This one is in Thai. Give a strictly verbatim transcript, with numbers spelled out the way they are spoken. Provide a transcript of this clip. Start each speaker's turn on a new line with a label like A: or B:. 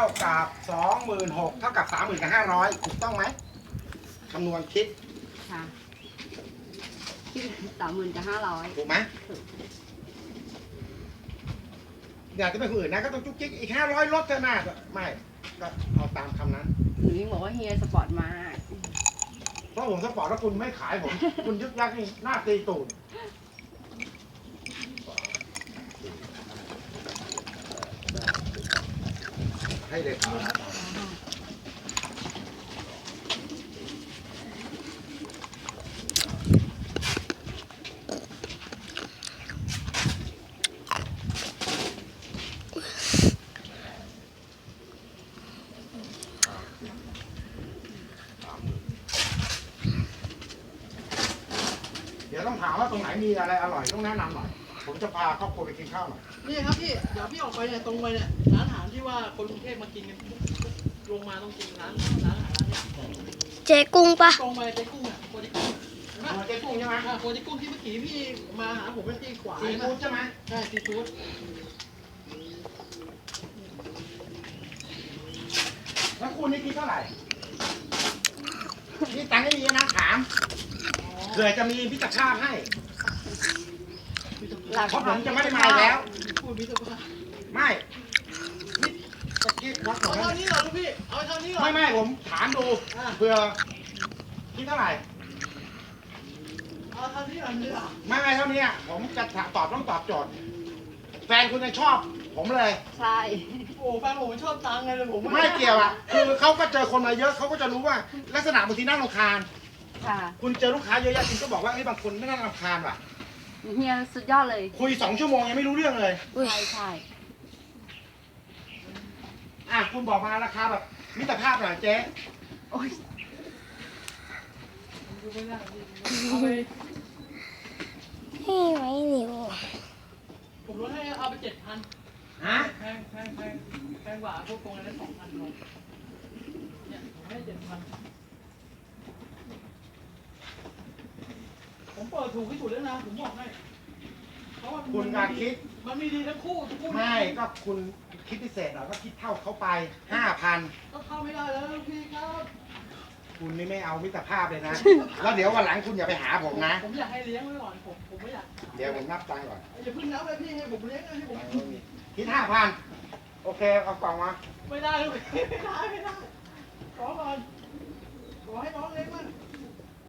A: กับสองหมื่นหกเท่ากับสามหมื่นกับห้าร้อยถูกต้องไหมคำนวณคิด
B: ค่ะคิดสามหมื่นกับห้าร้อย
A: ถูกไหมอยากจะเป็นคนอื่นนะก็ต้องจุกจิกอีกห้าร้อยลดเท่านั้นไม่ก็เอาตามคำนั้น
B: หนูยังบอกว่าเฮียสปอร์ตมาก
A: เพราะผมสปอร์ตแล้วคุณไม่ขายผม คุณยึกยักนี่หน้าตีตูดให้เลยครับเดี๋ยวต้องถามว่าตรงไหนมีอะไรอร่อยต้องแนะนำหน่อยผมจะพาครอบครัวไปกินข้าวหน่อย
C: นี่ครับพี่ เดี๋ยวพี่ออกไปเนี่ยตรงไปเนี่ยร้านอาหารที่ว่าคนกรุงเทพมากินกันลงมาต้องกินร้านร้านอาหารร้านเนี่ย
D: เจ๊กุ้งปะ
C: ตรงไปเจ๊กุ้งอ่ะโคจิกุ้งเห็นไหม
A: เจ๊กุ้งใช่ไหม
C: อ่าโคจิกุ้งที่เมื่อกี้พี่มาหาผมเป็นที่ขวา
A: ซีฟู้ดใช่ไหม
C: ใช่ซีฟู้ด
A: แล้วคุณนี่คิดเท่าไหร่นี่ตังค์ไม่มีนะถามเผื่อจะมีพิจารณาให้เพราะผมจะไม่ได้มาแล้ว
C: พูดมิตรภาพ
A: ไม่นี่ตะกี้วัดหน่
C: เอา
A: อย
C: เท่านี้เหรอลูกพี่ เอาเท่านี้เหรอ
A: ไม่ไม่ผมถามดู
C: อ่า
A: เผื่อคิดเท่าไหร่
C: เอาเท่านี้เหรอเนี่ย
A: ไม่ไม่เท่านี้อะผมจะตอบต้องตอบโจทย์แฟนคุณจะชอบผมเลย
B: ใช่
C: โอ้แฟนผมชอบตังค์ไงเลยผม
A: ไม่เกี่ยวอ่ะคือเขาก็เจอคนมาเยอะเขาก็จะรู้ว่าลักษณะบางทีน่ารำคาญ
B: ค่ะ
A: คุณเจอลูกค้าเยอะแยะคุณก็บอกว่าไอ้ยบางคนไม่น่ารำคาญว่ะ
B: เฮียสุดยอดเลย
A: คุยสองชั่วโมงยังไม่รู้เรื่องเลย
B: ใช่ใช่
A: อ่ะคุณบอกมาราคาแบบมิตรภาพหน่อยเจ๊
B: โอ้ย
C: ดูไม่ได้พี่เอาไป
D: นี่ไหมหนิว
C: ผมลดให้เอาไปเจ็ดพัน
A: ฮะ
C: แพงแพงแพงแพงกว่าพวกตรงนั้นสองพันลงเนี่ยผมให้เจ็ดพันผมเปิดถูกที่สุดแล้วนะ ผมบอกให้เพราะว่า
A: คุณการคิด
C: มันมีดีทั้งคู่ทุกคู่
A: ไม่ก็คุณคิดพิเศษหน่อยก็คิดเท่าเขาไปห้าพัน
C: ก็เข้าไม่ได้แล้วพี่ครับ
A: คุณนี่ไม่เอามิตรภาพเลยนะ แล้วเดี๋ยววันหลังคุณอย่าไปหาผมนะ
C: ผมอยากให้เลี้ยงไว้ก่อนผมผมไม่อยาก
A: เดี๋ยวผมนับตังค์ก่อน
C: อย่าเพิ่งนับเลยพี่ให้ผมเลี้ยงนะให้ผม
A: คิดห้าพันโอเคเอากล่องมา
C: ไม่ได้เลยไม่ได้ไม่ได้ขอก่อนขอให้น้องเลี้ยงมั่ง